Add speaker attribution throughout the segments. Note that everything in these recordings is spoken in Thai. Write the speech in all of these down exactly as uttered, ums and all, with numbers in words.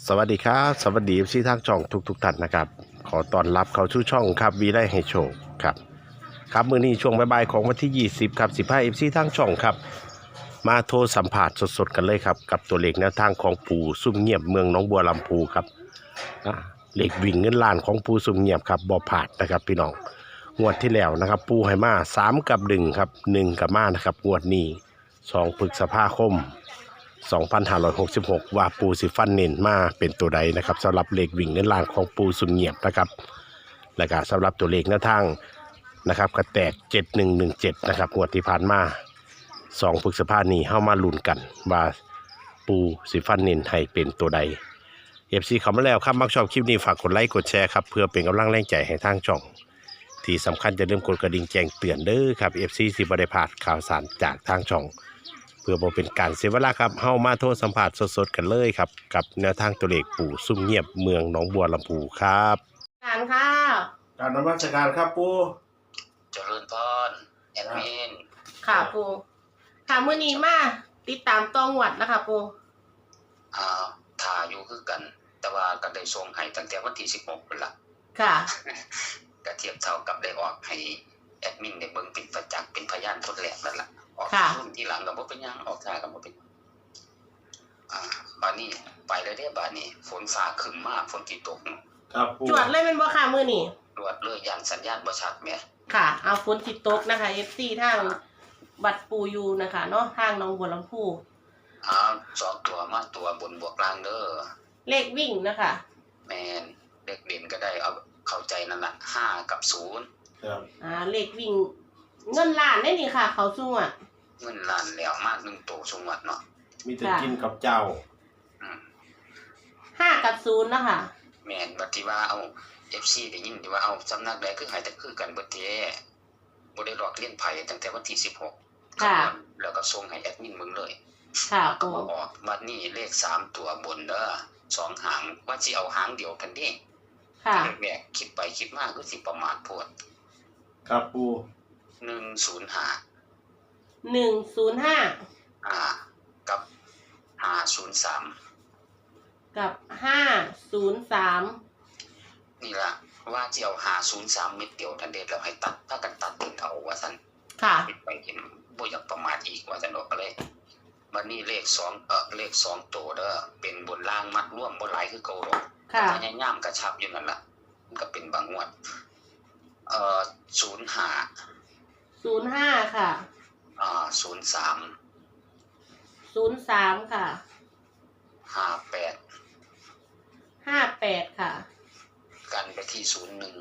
Speaker 1: สวัสดีครับสวัสดีที่ทางช่องทุกทุกท่านนะครับขอต้อนรับเข้าสู่ช่องครับวีได้ให้โชคครับครับมื้อนี้ช่วงบ่ายๆของวันที่ยี่สิบครับสิบห้า เอฟ ซี ทางช่องครับมาโทรสัมผัสสดๆกันเลยครับกับตัวเลขแนวทางของปู่ซุ่มเงียบเมืองหนองบัวลำพูครับเลขวิ่งเงินล้านของปู่ซุ่มเงียบครับบ่ผาดนะครับพี่น้องงวดที่แล้วนะครับปู่ให้มาสามกับหนึ่งครับหนึ่งกับมานะครับงวดนี้สองพฤษภาคมสองพันห้าร้อยหกสิบหกว่าปูสิฟันเน้นมาเป็นตัวใดนะครับสำหรับเลขวิ่งเงินล้านของปูสุนเงียบนะครับและก็สำหรับตัวเลขหน้าทางนะครับก็แตกเจ็ดหนึ่งหนึ่งเจ็ดนะครับงวดที่ผ่านมาสองพฤษภาคมนี้เข้ามาลุ้นกันว่าปูสิฟันเน้นให้เป็นตัวใดเอฟซีเข้ามาแล้วครับมักชอบคลิปนี้ฝากกดไลค์กดแชร์ครับเพื่อเป็นกำลังแรงใจให้ทางช่องที่สำคัญจะเริ่มกดกระดิ่งแจ้งเตือนเด้อครับเอฟซีสิบได้พลาดข่าวสารจากทางช่องเพื่อบ่เป็นการเสียเวลาครับเฮามาโทรสัมผัสสดๆกันเลยครับกับแนวทางตัวเลขปู่ซุ่มเงียบเมืองหนองบัวลำพูครับ
Speaker 2: การค่ะ
Speaker 1: การนมัสการครับปู่
Speaker 3: เจริญพรแอดมิน
Speaker 2: ค่ะปูค่ะมื้อนี้มาติดตามต้องวัดนะคะปู
Speaker 3: อ่าถ่าอยู่คือกันแต่ว่าก็ได้ส่งให้ตั้งแต่วันที่สิบหกเป็นละ
Speaker 2: ค่ะ
Speaker 3: ก็เทียบเท่ากับได้ออกให้แอดมินได้เบิ่งเป็นประจักษ์เป็นพยานทดแลกนั่นแหละออกรุ่นที่หลังก็บ่เป็นหยังออกท่าก็บ่เป็นอ่าบาดนี้ไปเลยเด้บาดนี้ฝนฟ้าครึ้มมากฝนสิตก
Speaker 1: ครับปู่
Speaker 2: จวดเลยแม่นบ่ค่ะมื้อนี้
Speaker 3: รวดเลยยันสัญญาณบ่ชัดแหม
Speaker 2: ค่ะเอาฝนสิตกนะคะ เอฟ ซี ทางบัดปูอยู่นะคะเนาะทางหนองบัวลำพู
Speaker 3: อ่าสองตัวมาตัวบนบวกล่างเด้อ
Speaker 2: เลขวิ่งนะคะ
Speaker 3: แม่นเลขเด่นก็ได้เอาเข้าใจนั่นน่ะห้ากับศูนย์
Speaker 1: ครับ
Speaker 2: อ่าเลขวิ่งเงินล้านได้นี่ค่ะเขาสู้อ่ะ
Speaker 3: เงินล้านแล้วมากหนึ่งโตสงวัดเนาะ
Speaker 1: มีแต่กินกับเจ้า
Speaker 3: อืม
Speaker 2: ห้ากับศูนย์นะคะ
Speaker 3: แม่นบัดที่ว่าเอา เอฟ ซี ได้ยินที่ว่าเอาสำนักใดคือให้แต่คือกันเบิดแท้บ่ได้หลอกเลียนไผตั้งแต่วันที่สิบหก
Speaker 2: ค่ะ
Speaker 3: แล้วก็ส่งให้แอดมินมึงเลย
Speaker 2: ค่ะ
Speaker 3: ก็บ่ออกบัดนี้เลขสามตัวบนเด้อสองหางว่าสิเอาหางเดียวกันเด้
Speaker 2: ค่ะ
Speaker 3: แม่คิดไปคิดมาคือสิประมาทโพด
Speaker 1: ครับปู่
Speaker 3: หนึ่งศูนย์ห้า
Speaker 2: หนึ่งศูนย์ห้า
Speaker 3: อ่ากับห้าศูนย์สาม
Speaker 2: กับห้าศูนย์สาม
Speaker 3: นี่ล่ะว่าสิเอาห้าศูนย์สามเม็ดเดียวทันเด็ดแล้วให้ตัดถ้ากันตัดเป็นเอาว่าซั่น
Speaker 2: ค่ะ
Speaker 3: คิดไปเห็นบ่อยากประมาทอีกว่าซั่นดอกก็เลยบัดนี้เลขสองเอ่อเลขสองตัวเด้อเป็นบนล่างมัดร่วมบ่หลายคือเก่าดอก
Speaker 2: ค่ะ
Speaker 3: พยายามกระชับอยู่นั่นล่ะมันก็เป็นบางงวดเอ่อศูนย์ห้า
Speaker 2: ศูนย์ห้าค่ะ
Speaker 3: อ่าศูนย์สาม
Speaker 2: ศูนย์สามค่ะ
Speaker 3: ห้าแปด
Speaker 2: ห้าแปดค่ะ
Speaker 3: กันไปที่ศูนย์หนึ่ง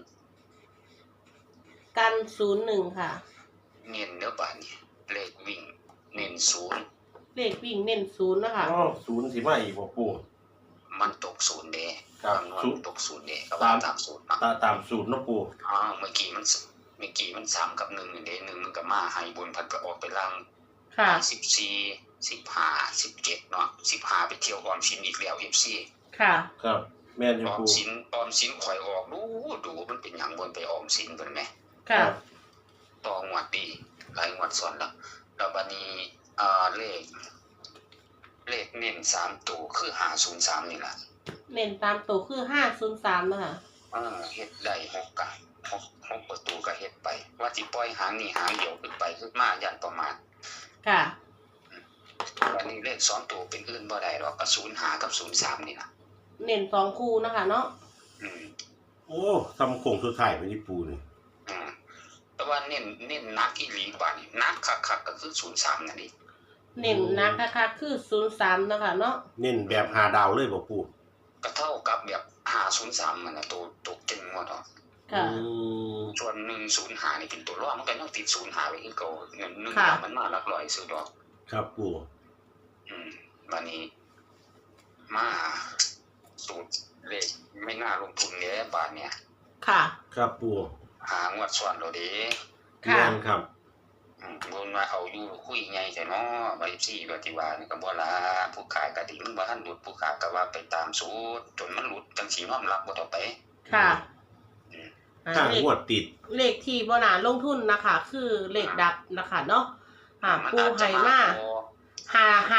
Speaker 2: กันศูนย์หนึ่งค่ะ
Speaker 3: เน้นเด้อบาดนี้เลขวิ่งเน้นศูนย์
Speaker 2: เลขวิ่งเน้นศูนย์นะคะ
Speaker 1: อ๋อศูนย์สิมาอีกบ่ปู่
Speaker 3: มันตกศูนย์เด้
Speaker 1: ครับ
Speaker 3: ศูนย์ตกศูนย์เด้ก็ว่าตามศูนย์เนาะ
Speaker 1: ตามศูนย์เนาะปู่
Speaker 3: อ๋อเมื่อกี้มันเมื่อกี้มันสามกับหนึ่งเด้หนึ่งมันก็มาให้บนพัดก็ออกไปล่าง
Speaker 2: ค่ะ
Speaker 3: สิบสี่ สิบห้า สิบเจ็ดเนาะสิบห้าไปเที่ยวออมสินอีกแล้ว เอฟ ซี
Speaker 2: ค่ะ
Speaker 1: ครับแม่นอยู่
Speaker 3: ออม
Speaker 1: ปู่
Speaker 3: สินออมสินข่อยออกดูดูมันเป็นหยังบนไปออมสินเพิ่นแหม
Speaker 2: ค่ะ
Speaker 3: ต่องวดดีหลายงวดซ้อนแล้วแล้วบัดนี้อ่าเลขเลขเน้นสามตัวคือห้าศูนย์สามนี่ล่ะ
Speaker 2: เน้นตามตัวคือห้าศูนย์สามนะคะ
Speaker 3: อ่าเฮ็ดได้หกกะหก หกประตูก็เฮ็ดไปว่าสิปล่อยหางนี่หางเดียวขึ้นไปคือมายันประมาณ
Speaker 2: ค่ะ
Speaker 3: วันนี้เลขสองตัวเป็นอื่นบ่ได้หรอกก็ศูนย์ห้ากับศูนย์สามนี่ล่ะ
Speaker 2: เน้นสองคู่นะคะเนาะ
Speaker 3: อืม
Speaker 1: โอ้ทำโครงสุดท้ายไปที่ปู่นี่
Speaker 3: อืมแต่ว่าเน้นเน้นนักอีหลีบาดนี้นักคักๆก็คือศูนย์สามนั่นเอง
Speaker 2: เน้นนักคักๆคือศูนย์สามนะคะเนาะ
Speaker 1: เน้นแบบห้าดาวเลยบ่ปู่
Speaker 3: ก็เท่ากับแบบห้าศูนย์สามนั่นน่ะตัวตัวเก่งหมดเนาะ
Speaker 2: ค่ะ
Speaker 3: ส่วนหนึ่งศูนย์ห้านี่เป็นตัวรองมันก็ยังติดศูนย์ห้าไว้คือเก่าเงินหนึ่งมันมาหลักร้อยซื้อดอก
Speaker 1: ครับปู่
Speaker 3: อืมบัดนี้มาสูตรเลขไม่น่าลงทุนเด้บาทเนี่ย
Speaker 2: ค่ะ
Speaker 1: ครับปู่
Speaker 3: หางวดสอนเราเด้
Speaker 1: ค่ะครับ
Speaker 3: อืมบ่ว่าเอาอยู่คุยใหญ่แต่เนาะบ่ได้ซี่ว่าที่ว่านี่ก็บ่ล่ะผู้ขายก็ดิมันบ่ทันหลุดผู้ขายก็ว่าไปตามสูตรจนมันหลุดจังสิยอมรับบ่ต่อไป
Speaker 2: ค่ะ
Speaker 3: อืม
Speaker 1: ถ้างวดติด
Speaker 2: เลขที่บ่น่าลงทุนนะคะคือเลขดับนะคะเนาะหาปูให้มาหาหา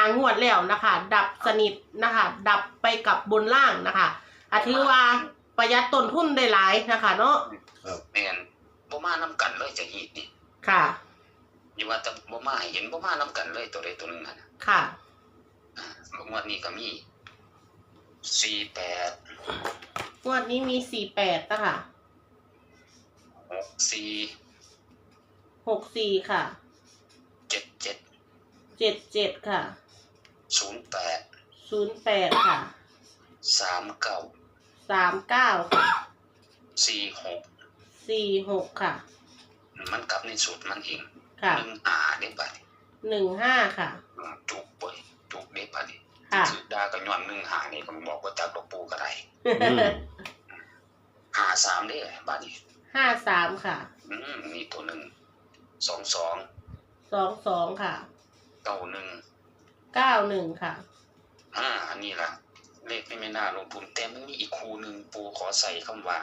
Speaker 2: งวดแล้วนะคะ ดับสนิทนะคะ ดับไปกับบนล่างนะคะอาถือว่าประหยัดต้นทุนได้หลายนะคะเนาะ
Speaker 3: แม่นบ่มานํกันเลยจะฮีดนี่
Speaker 2: ค่ะ
Speaker 3: อยู่ว่าแต่บ่มาให้เห็นบ่มานํกันเลยตัวใดตัวหนึงอ่ะนะ
Speaker 2: ค่ะ
Speaker 3: อ่างวดนี้ก็มีสี่แปด
Speaker 2: งวดนี้มีสี่แปดนะคะ
Speaker 3: หกสี่
Speaker 2: หกสี่ค่ะ
Speaker 3: เจ็ดเจ็ด
Speaker 2: เจ็ดเจ็ดค่ะ
Speaker 3: ศูนย์แปด
Speaker 2: ศูนย์แปดค่ะ
Speaker 3: สามเก้า
Speaker 2: สามเก้าค่ะ
Speaker 3: สี่หก
Speaker 2: สี่หกค่ะ
Speaker 3: มันกลับในสูตรมันเอง
Speaker 2: ค่ะ
Speaker 3: หนึ่งหาได้บัดนี้
Speaker 2: หนึ่งห้าค่ะ
Speaker 3: อืมจุกเว้ยจุกได้บัดนี้
Speaker 2: ค่ะ
Speaker 3: ถือดาก็ย้อนหนึ่งหานี่ผมบอกว่าจักดอกปูก็ได้
Speaker 1: อืม
Speaker 3: หาสามเด้บัดนี้
Speaker 2: ห้าสามค่ะ
Speaker 3: อืมนี่ตัวหนึ่งสองสอง
Speaker 2: สองสองค่ะ
Speaker 3: เก้าหนึ่ง
Speaker 2: เก้าหนึ่งค่ะ
Speaker 3: อ่าอันนี้ล่ะ เลขไม่ไม่น่าลงทุนแต่มันมีอีกคูหนึ่งปูขอใส่คำว่า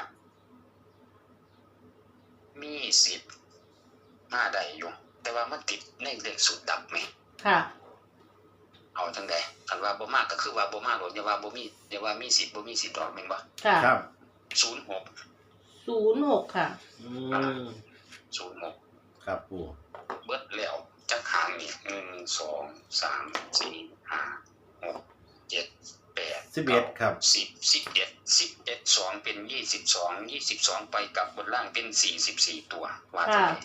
Speaker 3: มีสิบห้าใดอยู่ แต่ว่ามันติดในเลขสุดดับไหม
Speaker 2: ค่ะ
Speaker 3: เอาทั้งใดคันว่าบ่มากก็คือว่าบ่มากหรอกอย่าว่าบ่มีอย่าว่ามีสิบบ่มีสิบดอกแม่นบ่
Speaker 2: ค่ะ
Speaker 1: ครับ
Speaker 3: ศูนย์หก
Speaker 2: ศูนย์หกค่ะ
Speaker 1: อืม
Speaker 3: ศูนย์หก
Speaker 1: ครับปู
Speaker 3: เบิดแล้วจักหางนี่หนึ่งสองสามสี่ห้าหกเจ็ดแปด
Speaker 1: สิบเอ็ดครับ
Speaker 3: สิบสิบเอ็ดสิบเอ็ดสองเป็นยี่สิบสองยี่สิบสองไปกับบนล่างเป็นสี่สิบสี่ตัวว่าจะไง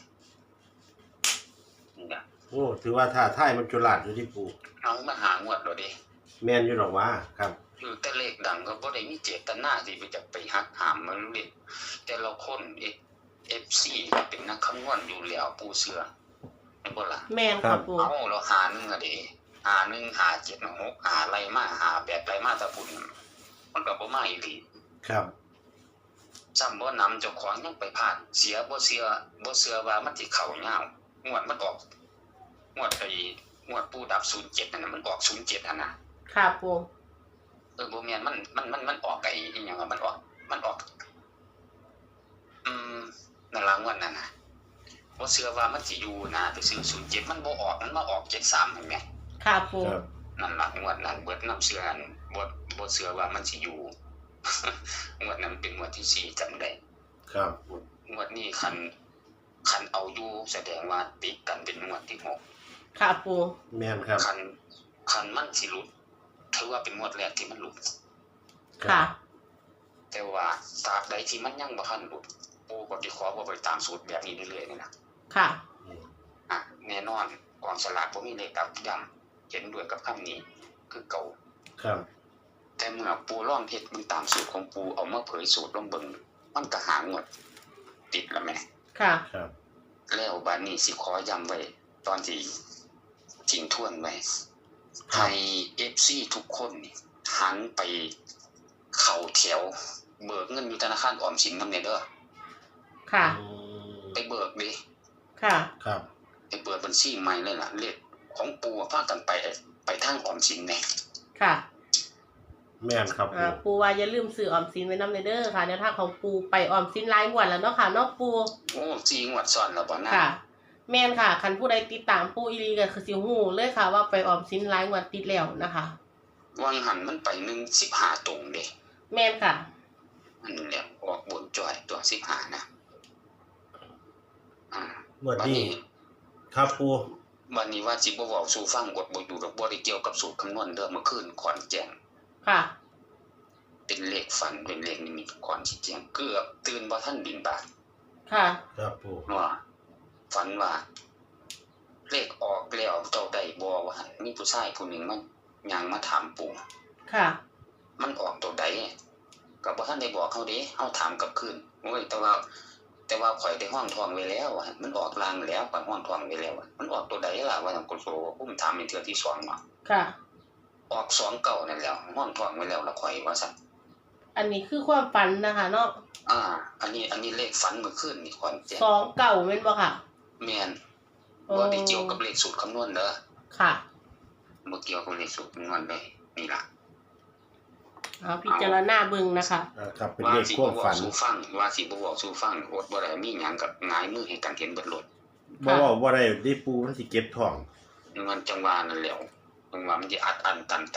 Speaker 3: นี่นะ
Speaker 1: โอ้ถือว่าท่าท่ายมันจุฬาดอยู่ที่ปู
Speaker 3: เอามาหางวดเราดิ
Speaker 1: แม่นอยู่หรอกว่าครับ
Speaker 3: คือแต่เลขดังก็บ่ได้มีเจตนาที่ไปจะไปหักหามมันเลยแต่เราคนเอเอฟซีเป็นนักคำนวณอยู่แล้วปูเสือไม่นบ่ล่ะ
Speaker 2: แมนค่ะปู
Speaker 3: เอาเราหาหนึ่งอะเดิหาหนึ่งหาเจ็ดหกหาไรมาหาแปดไรมาตะปุ่นมันก็บ่มาอีหลี
Speaker 1: ครับ
Speaker 3: ซ้ำบ่นำเจ้าของยังไปพลาดเสียบ่เสียบ่เสือว่ามันสิเข้ายาวงวดมันออกงวดไอ้งวดปูดับศูนย์เจ็ดนั่นน่ะมันออกศูนย์เจ็ดหั่นน่ะ
Speaker 2: ค่ะปู
Speaker 3: เออบ่แม่นมันมันมันมันออกไอ้อีหยังอะมันออกมันออกอืมนั่นล่ะงวดนั้นน่ะบ่เสือว่ามันสิอยู่นะไปซื้อศูนย์เจ็ดมันบ่ออกมันมาออกเจ็ดสามเห็นไหม
Speaker 2: ค่ะปู
Speaker 1: ครับ
Speaker 3: นั่นล่ะงวดนั้นเบิดน้ำเสือนั่นบ่บ่เสือว่ามันสิอยู่ งวดนั้นเป็นงวดที่สี่จำได้
Speaker 1: ครับ
Speaker 3: งวดนี้คันคันเอาอยู่แสดงว่าติดกันเป็นงวดที่หก
Speaker 2: ค่ะปู
Speaker 1: แม่นครับ
Speaker 3: คันคันมันสิหลุดถือว่าเป็นงวดแรกที่มันหลุด
Speaker 2: ค่ะ
Speaker 3: แต่ว่าตราบใดที่มันยังบ่ทันหลุดปูก็สิขอบ่ไปตามสูตรแบบนี้เรื่อยๆนี่นะ
Speaker 2: ค่ะ
Speaker 3: อ่ะแน่นอนกองสลากบ่มีเลขดับย้ำเห็นด้วยกับคำนี้คือเก่า
Speaker 1: ครับ
Speaker 3: แต่เมื่อปูร่องเฮ็ดมันตามสูตรของปูเอามาเผยสูตรลงเบิ่งมันก็หางวดติดแล้วแม่
Speaker 2: ค่ะ
Speaker 1: ครับ
Speaker 3: แล้วบัดนี้สิขอย้ำไว้ตอนที่ทิ้งทวนไว้ให้ เอฟ ซี ทุกคนนี่หันไปเข้าแถวเบิกเงินอยู่ธนาคารออมสินนำแน่เด้อ
Speaker 2: ค่ะ
Speaker 1: อืม
Speaker 3: ไปเบิกดิ
Speaker 2: ค่ะ
Speaker 1: ครับ
Speaker 3: ไปเปิดบัญชีใหม่เลยล่ะเลขของปูพากันไปไปทางออมสินแน่
Speaker 2: ค่ะ
Speaker 1: แม่นครับปู
Speaker 2: อ่าปูว่าอย่าลืมซื้อออมสินไว้นำเด้อค่ะแนวทางของปูไปออมสินรายงวดแล้วเนาะค่ะเนาะปู
Speaker 3: โอ้จริงวัดซ้อนแล้วบ่นะ
Speaker 2: ค่ะ แม่นค่ะคันผู้ใดติดตามปูอีหลีก็คือสิฮู้เลยค่ะ ว่าไปออมสินรายงวดติดแล้วนะคะ
Speaker 3: วังหันมันไปหนึ่งสิบห้าตรงเด้
Speaker 2: แม่นค่ะ
Speaker 3: อันแหละออกบนจ่อยตัวสิบห้านะอ่า
Speaker 1: หมวด
Speaker 3: บัด
Speaker 1: นี้
Speaker 3: นี้
Speaker 1: ครับปู
Speaker 3: วันนี้ว่าสิบ่เว้าสู่ฟังกดบ่อยู่ดอกบ่ได้เกี่ยวกับสูตรคำนวณเด้อเมื่อคืนขอนแจ้ง
Speaker 2: ค่ะ
Speaker 3: เป็นเลขฝันเป็นเลขนิมิตขอนสิแจ้งเกือบตื่นบ่ทันบินบาต
Speaker 2: ค่ะ
Speaker 1: ครับปู
Speaker 3: ว่าฝันว่าเลขออกแล้วเจ้าได้บ่ว่าหั่นมีผู้ชายผู้หนึงมันย่างมาถามปู่
Speaker 2: ค่ะ
Speaker 3: มันออกตัวใดก็บ่ทันได้บอกเขาเด้เฮาถามกลับคืนโอ้ยแต่ว่า แต่ว่าข่อยได้ห้องทองไว้แล้วว่ามันออกลางแล้วข่อยห้องทองไว้แล้วมันออกตัวใดล่ะว่าจังกุโสผมถามเป็นเทื่อที่สองเนาะ
Speaker 2: ค่ะ
Speaker 3: ออกสองเก้านั่นแล้วห้องทองไว้แล้วละข่อยว่าซั่น
Speaker 2: อันนี้คือความฝันนะคะเนาะ
Speaker 3: อ่า อันนี้อันนี้เลขฝันเมื่อคืนนี่ขอนแจ้ง
Speaker 2: สองเก่าแม่นบ่ค่ะ
Speaker 3: แม่น
Speaker 2: โอ้
Speaker 3: บ่ได้เกี่ยวกับเลขสูตรคำนวณเด้อ
Speaker 2: ค่ะ
Speaker 3: บ่เกี่ยวกับเลขสูตรคำนวณเลยนี่ล่ะ
Speaker 2: เอาพิจารณาเบิ่งนะคะ
Speaker 1: อ่าครับเป็น
Speaker 3: ว่า
Speaker 1: เลข
Speaker 3: สิ
Speaker 1: คว
Speaker 3: บ่
Speaker 1: บ
Speaker 3: เว้า
Speaker 1: ฝัน
Speaker 3: สู่ฟังว่าสิบ่เว้าสู่ฟังอดบ่ได้มีหยังกับหงายมือให้กันเห็นเบิดโลด
Speaker 1: บ่ว่าบ่ได้ได้ปูมันสิเก็บท้อง
Speaker 3: เงินจังหวะนั่นแหล้วมึงว่ามันสิอัดอั้นตันใจ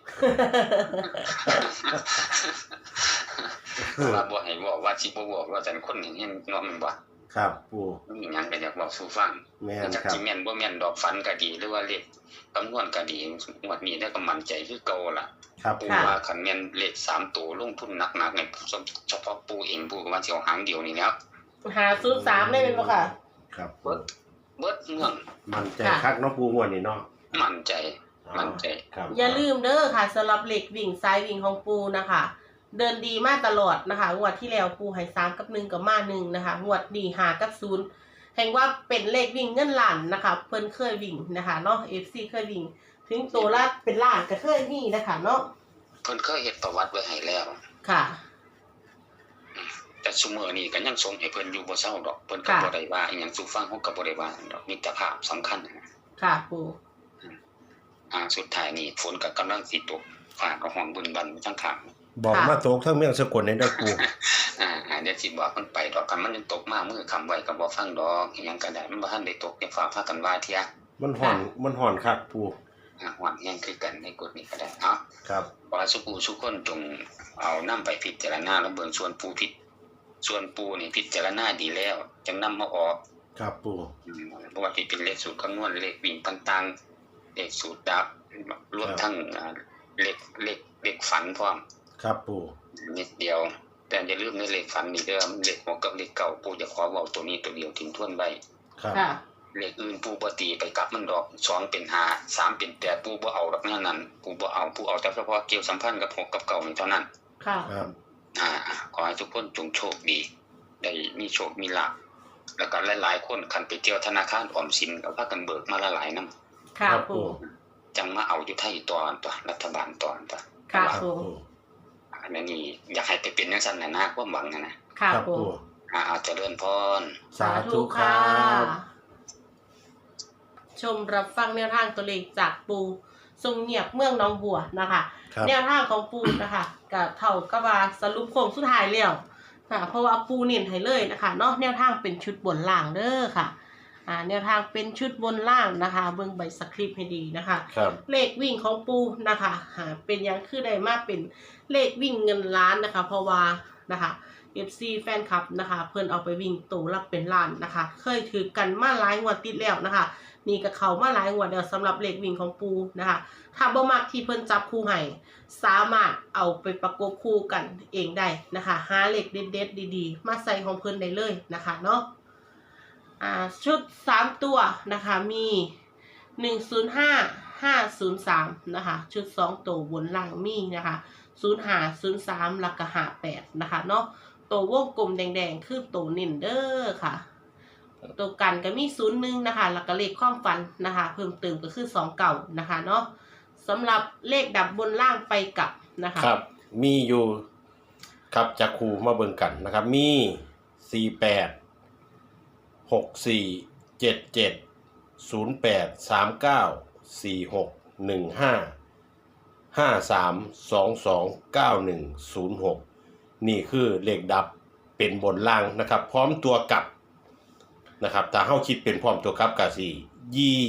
Speaker 3: ว่าบ่ให้บอกว่าสิบ่บอกว่าจังคนเห็นเห็นเนาะมันบ่
Speaker 1: ครับปู
Speaker 3: มีหยังก็อยากบอกสู่ฟัง
Speaker 1: แม่น
Speaker 3: จัก
Speaker 1: ครับ
Speaker 3: สิแม่นบ่แม่นดอกฝันก็ดีหรือว่าเลขคำนวณก็ดีงวดนี้ได้ก็มั่นใจคือเก่าล่ะ
Speaker 1: ครับ
Speaker 3: ปู
Speaker 1: ปู
Speaker 3: ว่าคันแม่นเลขสามตัวลงทุนหนักๆเนี่ยเฉพาะปูเองปูก็ว่าสิเอาหางเดียวนี่แล้ว
Speaker 2: หาศูนย์สามได้เป็นบ่ค่ะ
Speaker 1: ครับปู
Speaker 3: เบิดเบิดเมือง
Speaker 1: มันใจคักเนาะปูงวดนี้เนาะ
Speaker 3: มั่นใจมั่นใจ
Speaker 1: ครับ
Speaker 2: อย่าลืมเด้อค่ะสำหรับเหล็กวิ่งซ้ายวิ่งของปูนะคะ เดินดีมาตลอดนะคะงวดที่แล้วปูให้สามกับหนึ่งกับมาหนึ่งนะคะงวดนี้หากับศูนย์แห่งว่าเป็นเลขวิ่งเงินล้านนะคะเพิ่นเคยวิ่งนะคะเนาะ เอฟ ซี เคยวิ่งถึงตัวละเป็นล้านก็เคยมีนะคะเนาะ
Speaker 3: เพิ่นเคยเฮ็ดประวัติไว้ให้แล้ว
Speaker 2: ค่ะ
Speaker 3: แต่ซุมื้อนี้ก็ยังส่งให้เพิ่นอยู่บ่เซาดอกเพิ่นก็บ่ได้ว่าอีหยังสู่ฟังเฮาก็บ่ได้ว่าดอกมิตรภาพสำคัญนะ
Speaker 2: ค่ะปู
Speaker 3: อ่าสุดท้ายนี่ฝนก็กำลังสิตกฟ้าก็ห้องบึนบันไปทั้งข้าง
Speaker 1: บอกมาตกทั้งเมืองสกลในเด้อปู
Speaker 3: อ่าอ่าเดี๋ยวสิบอกมันไปดอกกันมันยังตกมามือคำไว้ก็บ่ฟังดอกอีหยังก็ได้มันบ่ทันได้ตกอย่าฟ้าพากันว่าเที่ย
Speaker 1: มันห่อนมันห่อนคักปู
Speaker 3: อ่าหวังแห้งคือกันในกฎนี้ก็ได้เนาะ
Speaker 1: ครับ
Speaker 3: ว่าสุกูสุคนจงเอานำไปพิจารณาแล้วเบิ่งส่วนปูพิษส่วนปูนี่พิจารณาดีแล้วจังนำมาออก
Speaker 1: ครับปู
Speaker 3: อืมเพราะว่าที่เป็นเลขสูตรคำนวณเลขวิ่งต่างๆเลขสูตรดับรวมทั้งอ่าเลขเลขเลขฝันพร้อม
Speaker 1: ครับปู
Speaker 3: นิดเดียวแต่อย่าลืมในเลขฝันนี่เด้อเลขหัวกับเลขเก่าปูจะขอเว้าตัวนี้ตัวเดียวทิ้งทวนไว้
Speaker 1: ครับ
Speaker 2: ค่ะ
Speaker 3: เลขอื่นปูบ่ตีไปกลับมันดอกสองเป็นห้า สามเป็นแปดปูบ่เอาดอกแนวนั้นปูบ่เอาปูเอาแต่เฉพาะเกี่ยวสัมพันธ์กับหกกับเก่านี่เท่านั้น
Speaker 2: ค่ะ
Speaker 1: ครับ
Speaker 3: อ่าขอให้ทุกคนจงโชคดีได้มีโชคมีลาภแล้วก็หลายๆคนคันไปเที่ยวธนาคารออมสินก็พากันเบิกมาละหลายนำ
Speaker 2: ค่ะปู
Speaker 3: จังมาเอาอยู่ไทยตอนตัวรัฐบาลตอนตัว
Speaker 2: ค่ะ
Speaker 1: ครับ
Speaker 2: ปู
Speaker 1: ปู
Speaker 3: อันนี้อยากให้ไปเป็นจังซั่นน่ะนะความหวังนะนะ
Speaker 2: ค่ะ
Speaker 1: ครับ
Speaker 2: ปู
Speaker 1: ปู
Speaker 3: อ่าเจริญพร
Speaker 1: สาธุครับ
Speaker 2: ชมรับฟังแนวทางตัวเลขจากปูทรงเงียบเมืองหน้องบัวนะคะ
Speaker 1: ครับ
Speaker 2: แนวทางของปูนะคะกับเท่ากับว่าสรุปโค้งสุดท้ายแล้วค่ะเพราะว่าปูเน้นให้เลยนะคะเนาะแนวทางเป็นชุดบนล่างเด้อค่ะอ่าแนวทางเป็นชุดบนล่างนะคะเบิ่งใบสคริปต์ให้ดีนะคะ
Speaker 1: ครับ
Speaker 2: เลขวิ่งของปูนะคะหาเป็นหยังคือได้มาเป็นเลขวิ่งเงินล้านนะคะ เพราะว่านะคะ เอฟ ซี แฟนคลับนะคะ เพิ่นเอาไปวิ่งตัวรับเป็นล้านนะคะ เคยถือกันมาหลายงวดติดแล้วนะคะนี่ก็เข้ามาหลายงวดแล้วสำหรับเลขวิ่งของปูนะคะ ถ้าบ่มักที่เพิ่นจับคู่ให้สามารถเอาไปประกบคู่กันเองได้นะคะหาเลขเด็ดๆดีๆมาใส่ของเพิ่นได้เลยนะคะเนาะอ่าชุดสามตัวนะคะมีหนึ่งศูนย์ห้า ห้าศูนย์สามนะคะชุดสองตัวบนล่างมีนะคะศูนย์ห้า ศูนย์สามแล้วก็ห้าแปดนะคะเนาะตัววงกลมแดงๆคือตัวเน้นเด้อค่ะตัวกันก็มีศูนย์หนึ่งนะคะแล้วก็เลขความฝันนะคะเพิ่มเติมก็คือสองเก่านะคะเนาะสำหรับเลขดับบนล่างไปกลับนะคะ
Speaker 1: ครับ มีอยู่ครับจากครูมาเบิ่งกันนะครับ มีสี่แปดหกสี่เจ็ดเจ็ดศูนย์แปดสามเก้าสี่หกหนึ่งห้าห้าสามสองสองเก้าหนึ่งศูนย์หกนี่คือเลขดับเป็นบนล่างนะครับ พร้อมตัวกลับนะครับถ้าเฮาคิดเป็นพร้อมตัวกลับก็สิยี่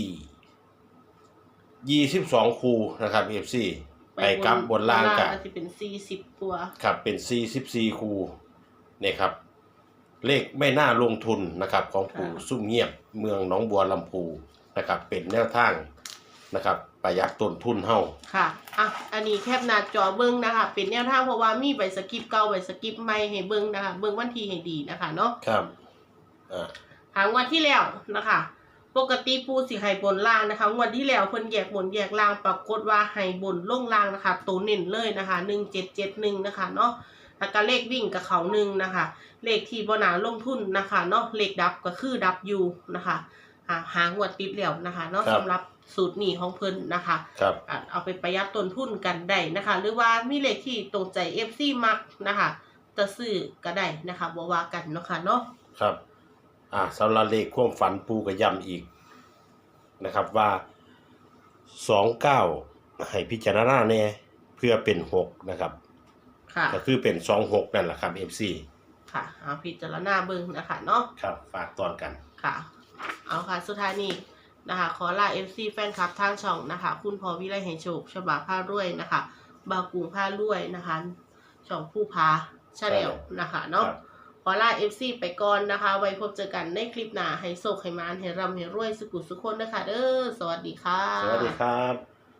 Speaker 1: ยี่สิบสองคูนะครับ เอฟ ซี ไปกลับบนล่างกัน
Speaker 2: จะเป็นสี่สิบตัว
Speaker 1: ครับเป็นสี่สิบสี่คูเนี่ยครับ เลขไม่น่าลงทุนนะครับของปู่ซุ่มเงียบเมืองหนองบัวลำพูนะครับ เป็นแนวทางนะครับประหยัดต้นทุนเฮา
Speaker 2: ค่ะอ่ะอันนี้แคปหน้าจอเบิ้งนะคะเป็นแนวทางเพราะว่ามีใบสกิปเก่าใบสกิปใหม่ให้เบิ้งนะคะเบิ้งวันที่ให้ดีนะคะเนาะ
Speaker 1: ครับอ่า
Speaker 2: หางวันที่แล้วนะคะปกติปูสิให้บนล่างนะคะงวันที่แล้วเพิ่นแยกบนแยกล่างปรากฏว่าให้บนลงล่างนะคะตัวเน้นเลยนะคะหนึ่งเจ็ดเจ็ดหนึ่งนะคะเนาะแล้วก็เลขวิ่งกับเขาหนึ่งนะคะเลขที่บ่น่าลงทุนนะคะเนาะเลขดับก็คือดับอยู่นะคะอ่าหางวดติดแล้วนะคะเนาะสำหรับสูตรนี้ของเพิ่นนะคะ
Speaker 1: ครับ
Speaker 2: อ่ะเอาไปประหยัดต้นทุนกันได้นะคะ หรือว่ามีเลขที่ตรงใจ เอฟ ซี มักนะคะจะซื้อก็ได้นะคะบ่ว่ากันเนาะค่ะเนาะ
Speaker 1: ครับอ่าสำหรับเลขความฝันปูก็ย้ำอีกนะครับว่าสองเก้าให้พิจารณาแน่เพื่อเป็นหกนะครับ
Speaker 2: ค่ะ
Speaker 1: ก็คือเป็นสองหกนั่นแหละครับ เอฟ ซี
Speaker 2: ค่ะเอาพิจารณาเบิ่งนะคะเนาะ
Speaker 1: ครับฝากตอนกัน
Speaker 2: ค่ะเอาค่ะสุดท้ายนี้นะคะขอลา เอฟ ซี แฟนคลับทางช่องนะคะ คุณพอวิไลให้โชคฉบับผ้ารวยนะคะบาวกุงผ้ารวยนะคะช่องผู้พาชาแนลนะคะเนาะขอลา เอฟ ซี ไปก่อนนะคะ ไว้พบเจอกันในคลิปหน้าให้โชคให้มานให้ร่ำให้รวยสุขุสุขคนนะคะเด้อสวัสดีค่ะ
Speaker 1: สวัสดีครับ